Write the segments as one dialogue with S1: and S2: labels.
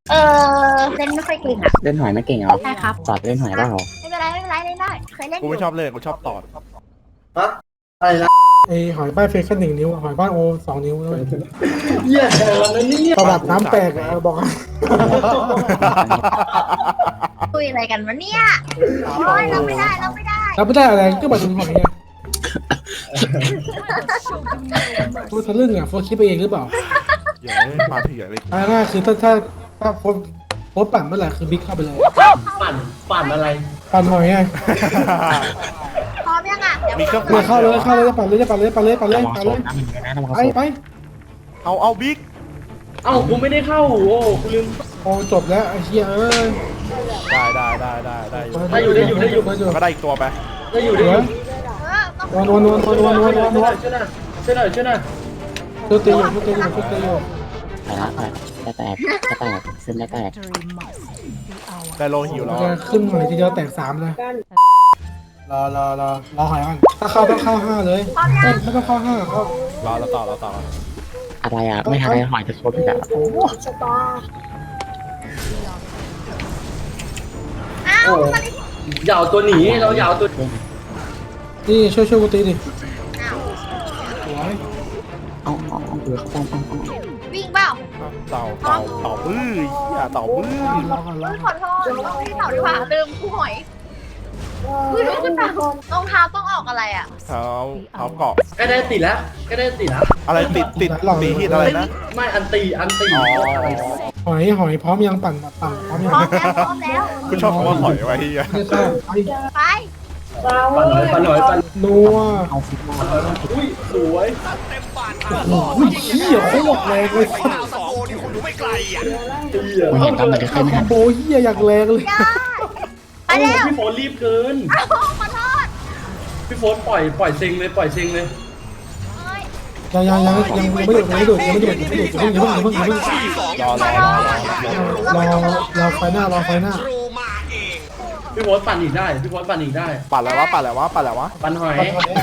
S1: เอเล่นไม่ค่อยเก่งอ่ะ
S2: เล่นหอยไม่เก่งเหรอ
S1: ใช่ครับ
S2: สอดเล่นหอยเปล่า
S1: ไม่เป็นไรไม่เป็นไรเล่นได้เคยเล่นอ
S3: กู
S1: ยู่
S3: ไม่ชอบเล่นกูชอบตอด
S4: ฮะอะไรนะ
S5: ไอหอยป้ายเฟซแค่1 นิ้วหอยป้ายโอ2 นิ้วด้วย
S4: เหี้ยวันนั้นนี่
S5: ประวัติน้ำแตกอะบอกให้
S1: คุยอะไรกันวะเนี่ยโอ้ยเราไม่ได้เราไม่ได้
S5: รับไม่ได้อะไรก็บัตรถึงหอยไงตัวทะลึ่งอ่ะโฟร์คิดไปเองหรือเปล่า
S3: เดี๋ยวมาเถื่อนเลย
S5: อันนั้นคือถ้าโพสปั่นเมื่อไหร่คือบิ๊กเข้าไปเลย
S4: ปั่นอะไร
S5: ปั่นหอยไง
S1: พร้อมยังอ่ะเดี๋ยว
S3: มีเครื่อง
S5: เนี่ยเข้าเลยจะปั่นเลยจะปั่นเลยปั่นเลยปั่นเลย
S2: ระวัง
S5: ปั่น
S2: โซ
S5: เลย
S2: นนะมันนะระวัง
S5: ไป
S2: โซน
S5: ไป
S3: เอาบิ๊ก
S4: เอ้ากูไม่ได้เข้าโอ้กูลืม
S5: โอ้จบแล้วไอ้เหี้ยเอ้ย
S3: ได้
S4: ได้อยู่ได้อยู่
S3: แล้วก็ได้อีกตัวไป
S4: ได้อยู่
S5: เห
S4: ได้
S5: ลื
S4: อ
S5: อยู่
S4: ยู่
S5: นวลช่วยหน่อย
S4: ช่วยหน่อย
S5: ตัวตีอยู่ตัวตีอยู่ตัวตีอยู่
S2: ไปละไปจะแตกจะแตกซึมจะแตก
S3: ได้โลหิวแล้ว
S5: จะขึ้นหอยทีเดียวแตก3เลยรอหอยก่อนถ้าเข้าต้องเข้า5เลยไม่ต้องเข้า5เข้าร
S3: อแล้วต่อ
S2: อะไรอ่ะไม่ทันได้หอยจะโซนอีกแล้วโอ้
S1: อ้าว
S4: โอ้ยาวตัวหนีเรายาวตัว
S5: นี่ช่วยกูตีดิ
S1: อ้าว
S5: สวย
S2: เอาดูเขาต้อง
S1: วิ่งเปล่า
S3: เต่าบื้ออย่าเต่าบื้อ
S5: รอก่อนรอ
S1: ขอโทษต้องที่เต่าดีกว่าลืมคู่หอยคือลูกขึ้นมารองเท้าต้องออกอะไรอ่ะ
S3: เท้าเกาะ
S4: ก็ได้ติดแล้วก็ได้ติดแล้ว
S3: อะไรติดตีฮิตอะไรนะ
S4: ไม่อันตี
S3: อ๋อ
S5: หอยพร้อมยังปั่นพร้อมยัง
S1: พร้อมแล้วพร้อมแล้ว
S3: กูชอบคำว่าหอยไว้ที่
S5: ไม่เข้าไป
S1: ไป
S4: ปั่นหน่อย
S5: นัว
S2: เอาฟิตมา
S4: อุ้ยสวย
S5: อุ้ยเหี้ยโคตรแรงเลย
S4: เหี้ย
S2: มันเห็นตอนมันจะขึ้นไม่ทัน
S5: โบเหี้ยอยากแรงเลย
S1: ได้ไปแล้ว
S4: พี่โฟนรีบเกิน
S1: ขอโทษ
S4: พี่โฟนปล่อยเซ็งเลย
S1: เอ้ย
S5: ยังไม่ดูดอย่าเพิ่งรอไฟหน้ารอไฟหน้า
S4: พี่โฟนปั่นอีกได้พี่โฟนปั่นอีกได้
S3: ปั่นแล้ววะ
S4: ปั่นหอย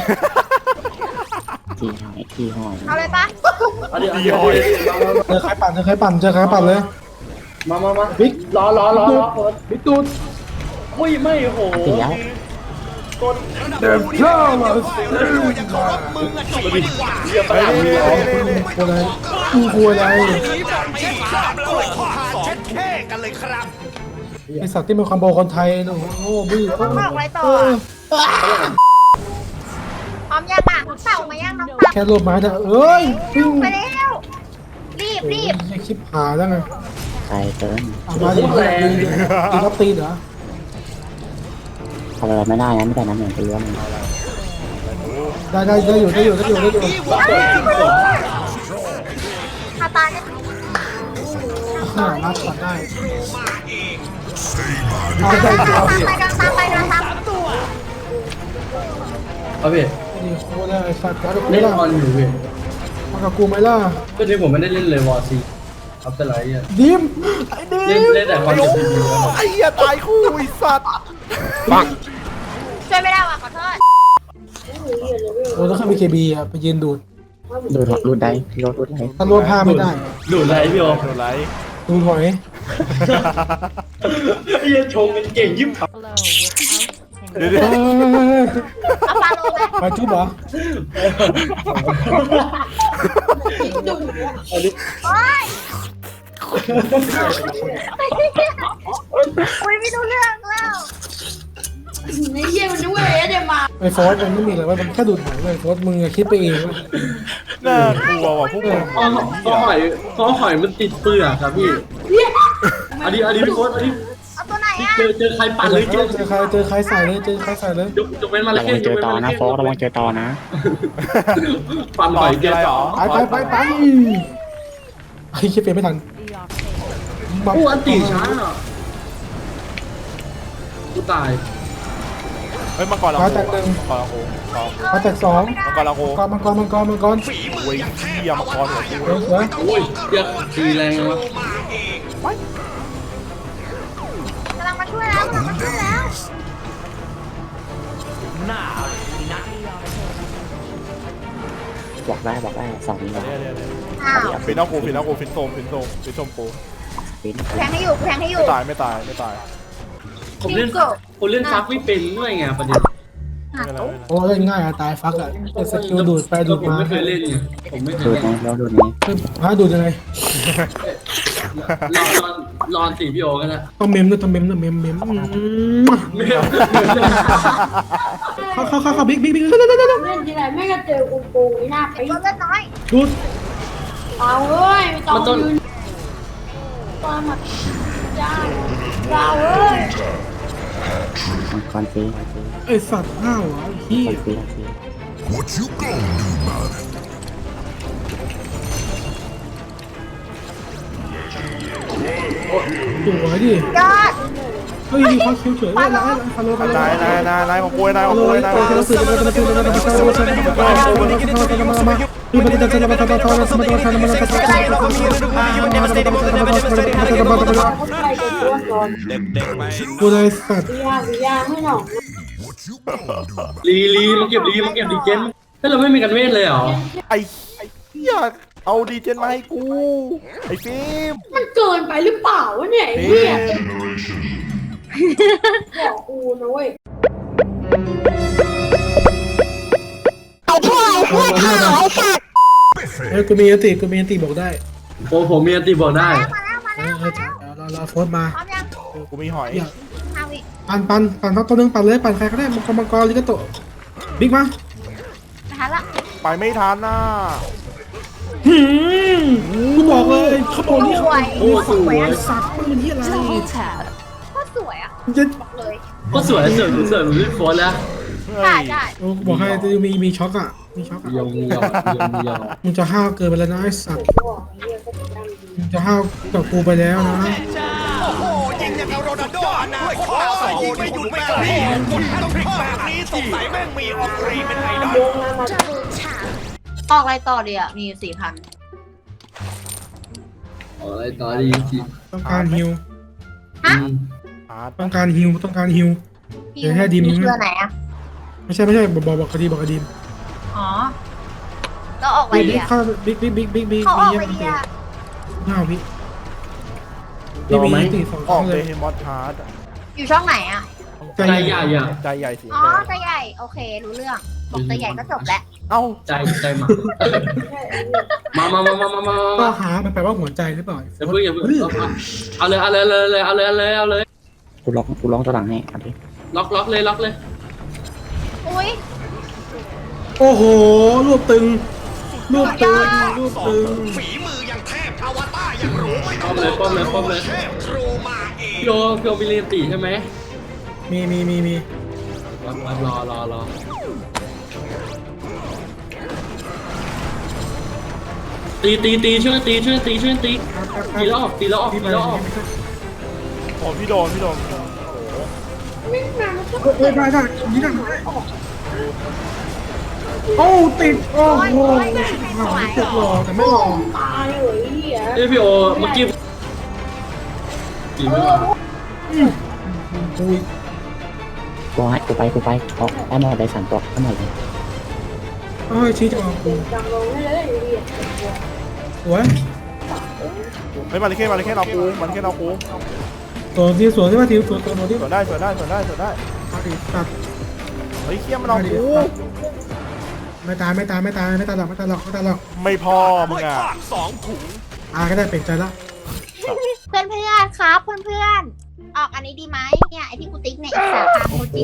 S2: ทีหอย
S1: เอาเลยปะ
S4: เอาดิ
S5: เจอใครปั่นเลย
S4: มา
S5: บิ๊ก
S4: รอโฟน
S5: บิ๊กตูด
S4: อุ้ยไม่โห
S2: ตีแล้ว
S5: เดินเข้ามา
S4: เรียบร้อย
S5: กลัวอะไรไอสัตว์ที่เป็นคอมโบคนไทยโอ้โหบื้อ
S1: บอกอะไรต่อพร้อมยังอ่ะเต่ามายังน้องเต่า
S5: แค่รวบไม้แต่เอ้ยปิ้ง
S1: ไปแล้วรีบ
S5: คลิปหาแล้วไง
S2: ใครเกิน
S5: มาดิตีรับตีเหรอ
S2: ทำอะไรไม่ได้นะไม่แต่น้ำเหมือนตัวมัน
S5: ได้อยู่
S1: คาตาเนี่ย
S5: รับก่อนได้
S1: ตามไปเดินตาม
S4: เอาพี่
S5: นี่โคตรได้สัตว์กับกู
S4: เล่น
S5: ล่ะ
S4: ออนอยู่พี่
S5: มากับกูไหมล่ะ
S4: ก็ที่ผมไม่ได้เล่นเลยวอร์ซีอัพเตอร์ไลท์อ่ะ
S5: ดิมไอ้ดิม
S4: เล่นแต่คอนเซ็ปต์ดี
S3: ไอ้เหี้ยตายคู่ไอ้สัตว์
S1: ช่วยไม่ได้ว่ะขอโทษ
S5: โอ้ต้องเข้า BKB อ่ะไปยืนดูด
S2: ดูรูดได้พี่รถรูดได้
S5: ถ้ารวบผ้าไม่ได้
S4: ดูไรพี่โอ
S3: โดนไลท์
S5: ดูหอย
S4: ไอ้ชงกันเก่งยิบ
S3: เดี๋ยว
S1: เอาปลาโลไหม
S5: มาจุ๊บเหรอ
S4: อันนี้
S1: โอ้ยอุ้ยไม่รู้เรื่องแล้ว
S5: ไอ้โฟสมันไม่มีอะไรว่ามันแค่ดูดหอยเลยโฟสมึงคิดไปเอง
S3: น่ากลัวว่ะพวกมึง
S4: เพราะหอยมันติดเปลือกครับพี่อันนี้พี่โค้ดอันนี้
S1: เอาตัวไหนอ่ะ
S4: เจอใครปั่นเลยเจอ
S5: เจอใครใส่เลย
S4: ยกเป็นมา
S2: ระ
S4: ละ
S2: วั
S4: แค่
S2: งเจอต่อนะโฟกระวังเจอต่อนะ
S4: ปั่นหอยเจอต่อ
S5: ไปไอ้คิดไปไม่ทัน
S4: กูอันตีช้ากูตาย
S3: เฮ้ยมังกรเราโคมังกรเราโค
S5: มาแตก2
S3: มังกรเราโค
S5: มังกร
S3: โอ้ยเหี้ยมังกรหัวกู
S5: เสือ
S4: โอ้ยเดี๋ยวตีแรงวะ
S1: กำลังมาช่วยแล้ว
S2: บอกได้2 นิ้ว
S1: อ้าว
S3: ฟินเอากูฟินโซมกู
S2: ปิ้น
S1: แทงให้อยู่แทงให้อยู่
S3: ไม่ตายไม่ตายไม่ตาย
S4: ผมเล่นฟักไม่เป็นด้วยไงประเด็น
S3: ไม่เป็นไรไม่เป็นไร
S5: โอ้เล่นง่ายอะตายฟักอะแต่สกิลดูดไปดูด
S4: ผม
S5: มา
S4: ไม่เคยเล่นไงผมไม่เค
S2: ดู
S4: ย
S2: ด
S4: เล่น
S2: ไงแล้วดูดไง
S5: ฮะดูดยังไง
S4: รอนสีพี่โอกันนะ
S5: ต้องเมมด้วยต้องเมมด้วยเมมเข้าบิ๊กบิ๊ก
S6: เล่นทีไรแม่งก็เจอกูโกงไอ้หน้าไป
S1: ตัวเล่นน้อย
S5: ดูด
S6: เอาเอ้ยไม่ต้องยืนตัวมาจ้าเราเอ้ย
S2: มังกรฟรี
S5: ไอสัตว์ห้าวอ่ะไอ้เหี้ย
S2: ฟรี
S7: What you gonna do about it?
S5: ตัวดิ
S1: ยอด
S5: เฮ้ยเขาคิวเฉยเลยร้ายฮัลโหลฮัลโหล
S3: นายของกูนายของกูนาย
S5: ตัวเราสื่อเราสื่อเรากูเลยสัตว์
S6: วิยาไม่หนอก
S7: What you gonna do about it?
S4: ลีมาเก็บดีเจนถ้าเราไม่มีกันเวทเลยเหรอ
S3: ไอ้เหี้ยเอาดีเจนมาให้กูไอ้ฟิล์ม
S6: มันเกินไปหรือเปล่าวะเนี่ยไอ้
S3: ฟิ
S6: เหี้ย
S3: ล์ม
S6: บอกกูนะเว้ย
S5: เฮ้ยกูมีอันติบอกได้
S4: โอ้ผมมีอันตีบอกได้
S1: มาแล้วมาแล้วมาแล้ว
S5: เราโฟนมา
S1: พร้อมยัง
S3: กูมีหอย
S1: ห้าวิ
S5: ปั่นตัวนึงปั่นเลยปั่นใครก็ได้มังกรลิกาโตบิ๊กมา
S1: นะคะละ
S3: ไปไม่ทันน่ะ
S5: กูบอกเลยเขาบอกนี่
S1: สวย
S4: โอ้สวย
S5: สัตว์มันที่อะไร
S1: โคตรสวยอ่ะ
S5: จะ
S1: บอกเลย
S4: ก็สวยเสริมพี่โฟนแล้ว
S3: เฮ้
S1: ได้
S3: ย
S1: ได้
S5: โอ้บอกให้มีช็อกอ่ะมีช็อกอ่ะ
S4: ยอง
S5: มึงจะห้าวเกินไปแล้วนะไอ้สัตว์
S6: บอกไอ้เหี้ยก็จะดังดี
S5: มึงจะห้าวกับกูไปแล้วนะ
S8: ยิงอย่างกับโรนัลโดอนาคตแต่ยิงไม่หยุดไม่กระพริบคนต้องพลิกแบบนี้สงสัยแม่งมีออกรีเป็นไอดอล
S6: โยงมา
S1: ออกอะไรต่อดีอ่ะมี4,000
S4: อะไรต่อดีที
S5: ต้องการฮิว
S3: อาร์ต
S5: ต้องการฮิวเดี๋ยวให้ดิม
S1: มีเชื่อไหนอ่ะ
S5: ไม่ใช่บอกคดีบอกคดี
S1: อ๋อแล้วออกอะไรดี
S5: บิ๊ก
S1: อ่ะ
S5: เข้าบิ๊ก
S1: เขาออกไป
S5: ยัง
S1: ดีอ่ะ
S5: ห้าวพี่นี่มีตีสอง
S3: ออก
S5: เล
S3: เด
S5: ย
S3: ฮิมอสฮาร์ด
S1: อยู่ช่องไหนอ่ะ
S5: ใจ
S4: ใจ
S5: ให
S4: ให
S5: ญ่
S4: ญ่อะ
S3: ใจใหญ่สี
S1: อ๋อ
S3: แดง
S1: ใจใหญ่โอเครู้เรื่องบอกใจใหญ่ก็จบแล้ว
S3: เอ้า
S4: ใจมา
S5: ก็หามันแปลว่าหัวใจหรือเปล่า
S4: อย่าเพิ่งเอาเลย
S2: กูล็อกตัวหลังให้เอาดิ
S4: ล็อกเลย
S1: อุ้ย
S5: โอ้โหรวบตึง
S8: ฝีมือยังเทพอวตารยังรู้ไม่ต้อง
S4: ป้อมเลย
S8: เทพครูมาเอง
S4: พี่โอมีเรียนตีใช่ไหม
S5: มี
S4: รอตีช่วยตีตีแล้วออก
S3: โอ้พี่โดน
S6: ไม่มามันก็
S5: ได้ยิงได้โอ้ติดโอ้โหติดหล่อแต่ไม่หล่อ
S6: ตายเลยไอ้เหี้ย
S4: เอ้พี่โอเมื่อกี้ตีไม่มา
S5: กู
S2: กูให้กูไปเพราะได้หมดได้3ตัวทั้งหมดเลย
S5: เอ้ยชี้จะออกกู
S6: จังลงให้เลยไอ้เหี้ย
S5: สวย
S3: เฮ้ยมาเลยแค่เรากู
S5: สวนที่ว่าทีสวนตัวที่
S3: สวนได้
S5: เอาดิตัด
S3: เฮ้ยเคี้ยมันเอากู
S5: ไม่ตายหรอก
S3: ไม่พอมึงอ่ะ
S8: สองถุง
S5: ก็ได้เปลี่ยนใจละ
S1: เพื่อนครับเพื่อนออกอันนี้ดีไหมเนี่ยไอที่กูติ๊กเนี่ยอีก3,000โมจิ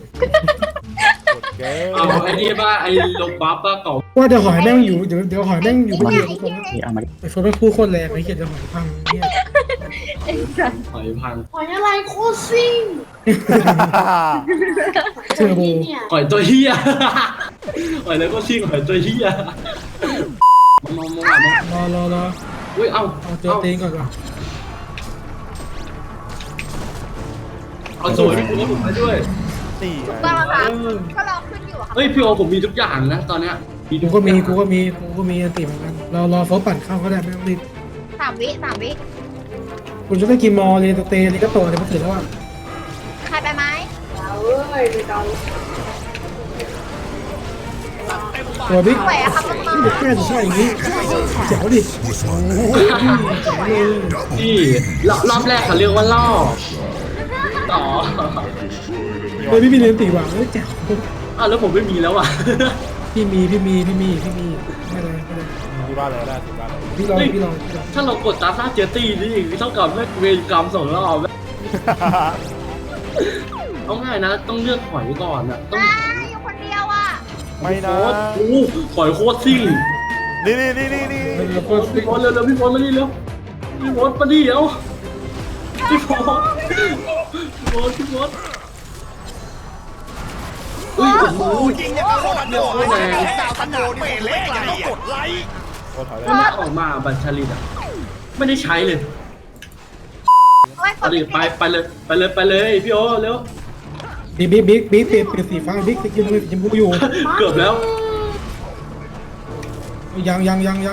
S3: เก๋
S4: เอาไอ้นี่ป่ะไอ้ลบบัฟป่ะเก่า
S5: ว่าเดี๋ยวหอยแม่งอยู่เดี๋ยวหอยแม่งอยู่คนเดียว
S2: นี่เอามาดิ
S5: ไอ้โฟนเป็นคู่โคตรแรงไอ้เหี้ยเดี๋ยวหอยพังเนี่ย
S4: หอยพัง
S6: หอยอะไรโคตรซิ่ง
S5: เทอร์โบ
S6: เนี่ย
S4: หอยตัวเฮียหอยแล้วก็ชิงหอยตัวเฮียมอง
S5: รอ
S4: อุ้ยเอา
S5: เจอตีนก่อน
S4: เอาสวยพี่โอผมไปด้วย
S3: นี่
S1: ก็แล้วครับก็รอขึ้นอยู่ครับ
S4: เฮ้ยพี่โอผมมีทุกอย่างนะตอนเนี้ย
S5: กูก็มีอันติเหมือนกันรอโฟปั่นเข้าก็ได้ไม่ต้องรีบ
S1: 3 วิ
S5: คุณจะได้กินมอเลยเตะลิกาโตเนี่ยมันถึงแล้วอ่ะ
S1: ใครไปไหม
S6: เอาเอ้ยไม่ต้อง
S8: เต็มบา
S5: ตัวบิ๊ก
S1: ไหวอะครับน้อง
S5: เด็กแก่จะใช่อย่างนี้แจ๋วดิ
S7: What's
S5: โอ้
S7: my
S5: โห
S7: name?
S4: พี่รอบแรกเขาเรียกว่าล่อต่อ
S5: เลยพี่มีเรียนตีว่ะแจ๋ว
S4: อ้าวแล้วผมไม่มีแล้วอ่ะ
S5: พี่มีไม่เลย
S3: ที่บ้านเลยได้ที่บ้านเลย
S5: พี่ลอง
S4: ถ้าเรากดตาซ่าเจอตี้นี่เท่ากับเวรกรรมส่งรอบเอาง่ายนะต้องเลือกหอยก่อนอ่ะต้อง
S1: อยู่คนเดียวอ่ะ
S3: ไม่นะ
S4: โอ้หอยโคตรซิ่ง
S3: นี่
S5: แล้วก็
S4: พี่พอสเร็วพี่พอสมาดิเร็วพี่พอสมาดิเร็วพี่พอสอุ้ยโอ้โห
S8: ยิงอย่างกับโรนัลโดดาวขนาดเปเล่ยังต้องกดไลค์
S3: โอ้ถอยเลย
S4: ถ้ามันออกมาบัญชาลิตอ่ะไม่ได้ใช้เลย
S1: โอ้ยก
S4: เอา
S1: ด
S4: ดิไปเลยพี่โอเร็ว
S5: บิ๊กเปลี่ยนสีฟ้าบิ๊กจะกินอะไรสีชมพูอยู่
S4: เกือบแล้ว
S5: ยัง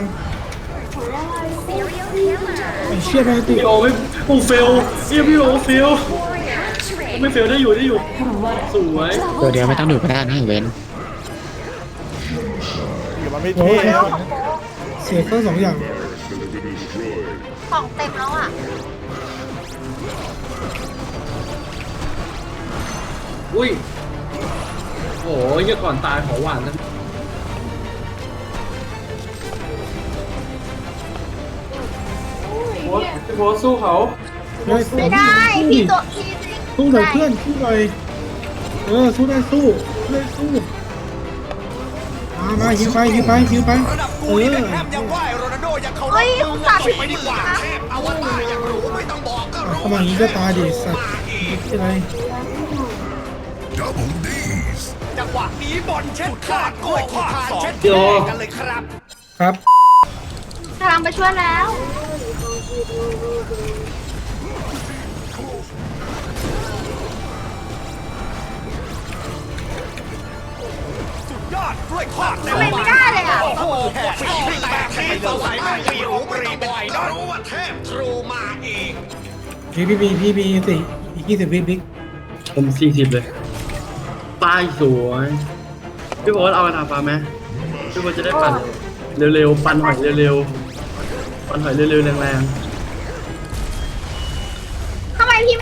S5: ไอ้เชี่ยไปติ
S4: พี่โอไม่โอ้เฟลพี่โอเฟลไม่เฟลได้อยู่สวย
S2: ตัวเดียวไม่ต้องดูก็ได้นะเว้น
S3: เดี๋ยวมันไม่
S5: โอ้
S3: เท่
S5: ยเสียทั้งสองอย่าง
S1: ของเต็มแล้วอ่ะ
S4: อุ้ยโอ้ยก่อนตายขอหวานนะพี่โพสสู้เขา
S1: ไม่ได้พี่ตัวพี่
S5: สู้หน่อยเพื่อนสู้หน่อยสู้ได้สู้มาฮิวไป
S8: ระดับกูนี่แฮมยังไหวโรนัลโดยังเขาจบไปดีกว่าเอาว่าตายอย่างรู้ไม่ต้องบอกก็รู้
S5: เข้ามาอย่างนี้ก็ตายดิสัตว์อะไร
S7: Double D's.
S8: จังหวะนี้บอลเช็ดขาดกล้วยขาดเช็ดกันเลยครับ
S5: ครับ
S1: กำลังไปช่วยแล้ว
S8: สุดยอดกล้วยทอด
S1: ทำไมไม่ได้เลยอ่ะ
S8: โอ้โหแหกฝีแบบนี้สงสัยแม่งมีหูปรีบ่อยนะรู้ว่าเทพทรูมาอีก
S5: พี่มีสี่อีก20วิบิ๊ก
S4: ผม40เลยป้ายสวยพี่โพสเอากระถางฟ้าไหมพี่โพสจะได้ปั่นเร็วๆปั่นหอยเร็วๆปั่นหอยเร็วๆแรง
S1: ทำไมพี่ไม่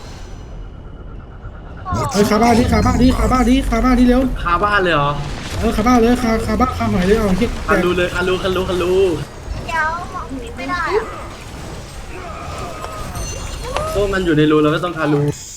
S5: คาบ้านดิเร็ว
S4: ๆคาบ้านเลยเหรอ
S5: คาบ้านเลยคาบ้านคาหอยเลยเอาเฮีย
S4: คันรูเลยคันรู
S1: เดี๋ยวมองนิดไม่ได้อ่ะ
S4: โอ้มันอยู่ในรูเราก็ต้องคันรู